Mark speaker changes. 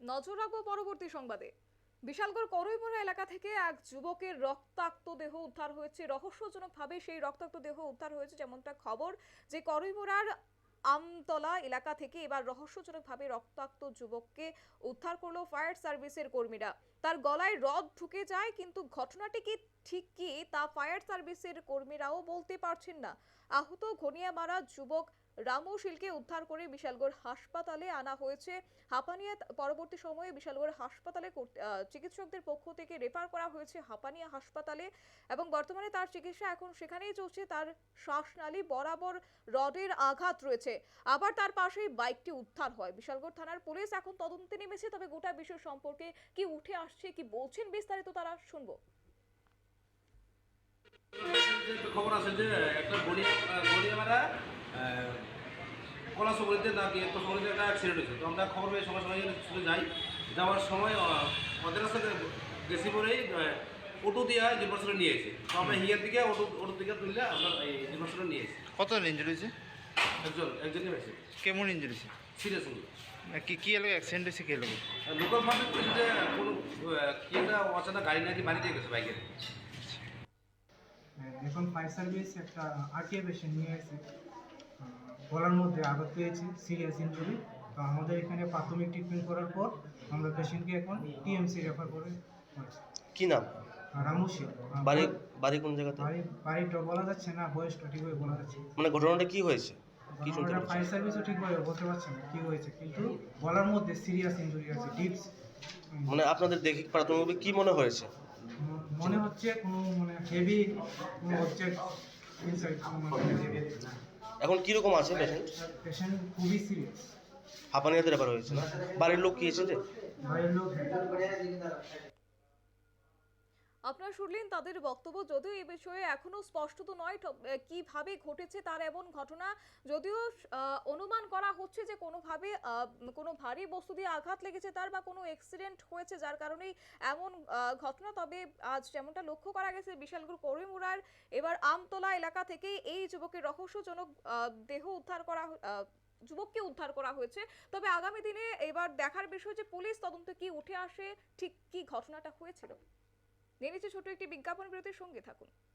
Speaker 1: নজর রাখবো পরবর্তী সংবাদে। বিশালগড় করইমোড়া এলাকা থেকে এক যুবকের রক্তাক্ত দেহ উদ্ধার হয়েছে। রহস্যজনকভাবে সেই রক্তাক্ত দেহ উদ্ধার হয়েছে, যেমনটা খবর যে করইমোড়ার আমতলা এলাকা থেকে এবার রহস্যজনকভাবে রক্তাক্ত যুবককে উদ্ধার করলো ফায়ার সার্ভিসের কর্মীরা। তার গলায় রড ঢুকে যায়, কিন্তু ঘটনাটি কি ঠিক কি তা ফায়ার সার্ভিসের কর্মীরাও বলতে পারছেন না। আহত ঘনিয়ামারা যুবক রামু শীলকে উদ্ধার করে বিশালগড় হাসপাতালে আনা হয়েছে। হাঁপানিয়া পরবর্তী সময়ে বিশালগড় হাসপাতালে চিকিৎসকদের পক্ষ থেকে রেফার করা হয়েছে হাঁপানিয়া হাসপাতালে, এবং বর্তমানে তার চিকিৎসা এখন সেখানেই চলছে। তার শ্বাসনালী বরাবর রডের আঘাত রয়েছে। আবার তার পাশেই বাইকটি উদ্ধার হয়। বিশালগড় থানার পুলিশ এখন তদন্তে নেমেছে। তবে গোটা বিষয় সম্পর্কে কি উঠে আসছে, কি বলছেন বিস্তারিত তারা শুনবো।
Speaker 2: খবর আছে যে একটা গড়িয়ামারা কলাসগরিতে নাকি একটা সগরিতে একটা অ্যাক্সিডেন্ট হয়েছে। তো আমরা খবর পেয়ে সঙ্গে সঙ্গে ছুটে যাই। যাওয়ার সময় ওদের সাথে বেশি করেই অটো দিয়ে জিলবাসনে নিয়ে এসে, তো আমরা হিয়ার দিকে অটো দিকে তুললে আমরা এই জিলবাসনে নিয়ে এসেছি।
Speaker 3: কত ইঞ্জুরি হয়েছে?
Speaker 2: একজনই হয়েছে।
Speaker 3: কেমন ইঞ্জুরি হয়েছে?
Speaker 2: সিরিয়াস
Speaker 3: কি এলাকা অ্যাক্সিডেন্ট হয়েছে? কে লোক?
Speaker 2: লোকাল ফান্ডে বলেছে যে কোনো কি একটা অচানা গাড়ি নাকি বাড়িতে গেছে বাইকের।
Speaker 4: এখন ফায়ার সার্ভিস একটা আরটিআই পেশেন্ট নিয়ে এসে গলার মধ্যে আঘাত পেয়েছে, সিরিয়াস ইনজুরি। তো আমাদের এখানে প্রাথমিক ট্রিটমেন্ট করার পর আমরা পেশেন্টকে এখন টিএমসি রেফার করে হয়েছে।
Speaker 5: কি নাম?
Speaker 4: রামুশি।
Speaker 5: বাড়ি বাড়ি কোন জায়গাতে?
Speaker 4: বাড়িটা বলা যাচ্ছে না, বয়সটা ঠিকভাবে বলা যাচ্ছে।
Speaker 5: মানে ঘটনাটা কি হয়েছে? কি শুনতে
Speaker 4: আমরা
Speaker 5: পাচ্ছেন?
Speaker 4: ফায়ার সার্ভিসও ঠিকভাবে বলতে পারছি না কি হয়েছে, কিন্তু গলার মধ্যে সিরিয়াস ইনজুরি আছে, ডিপস।
Speaker 5: মানে আপনাদের দেখে প্রাথমিকভাবে কি মনে হয়েছে?
Speaker 4: মনে হচ্ছে কোনো হেভি কোনো অবজেক্ট ইনসাইড।
Speaker 5: এখন কিরকম আছে পেশেন্ট?
Speaker 4: পেশেন্ট খুবই সিরিয়াস।
Speaker 5: হাঁপানিয়াতে ব্যাপার হয়েছে না? বাড়ির লোক কি এসেছে?
Speaker 4: বাড়ির লোক
Speaker 1: আপনারা শুনলেন তাদের বক্তব্য। যদিও এই বিষয়ে এখনো স্পষ্টত নয় কিভাবে ঘটেছে তার এমন ঘটনা, যদিও অনুমান করা হচ্ছে যে কোনোভাবে কোনো ভারী বস্তু দিয়ে আঘাত লেগেছে তার, বা কোনো অ্যাক্সিডেন্ট হয়েছে যার কারণেই এমন ঘটনা। তবে আজ যেমনটা লক্ষ্য করা গেছে বিশালগড় করইমোড়ার এবার আমতলা এলাকা থেকে এই যুবকের রহস্যজনক দেহ উদ্ধার করা যুবককে উদ্ধার করা হয়েছে। তবে আগামী দিনে এবার দেখার বিষয় যে পুলিশ তদন্তে কি উঠে আসে, ঠিক কি ঘটনাটা হয়েছিল। নিয়ে নিচ্ছে ছোট একটি বিজ্ঞাপন বিরতির, সঙ্গে থাকুন।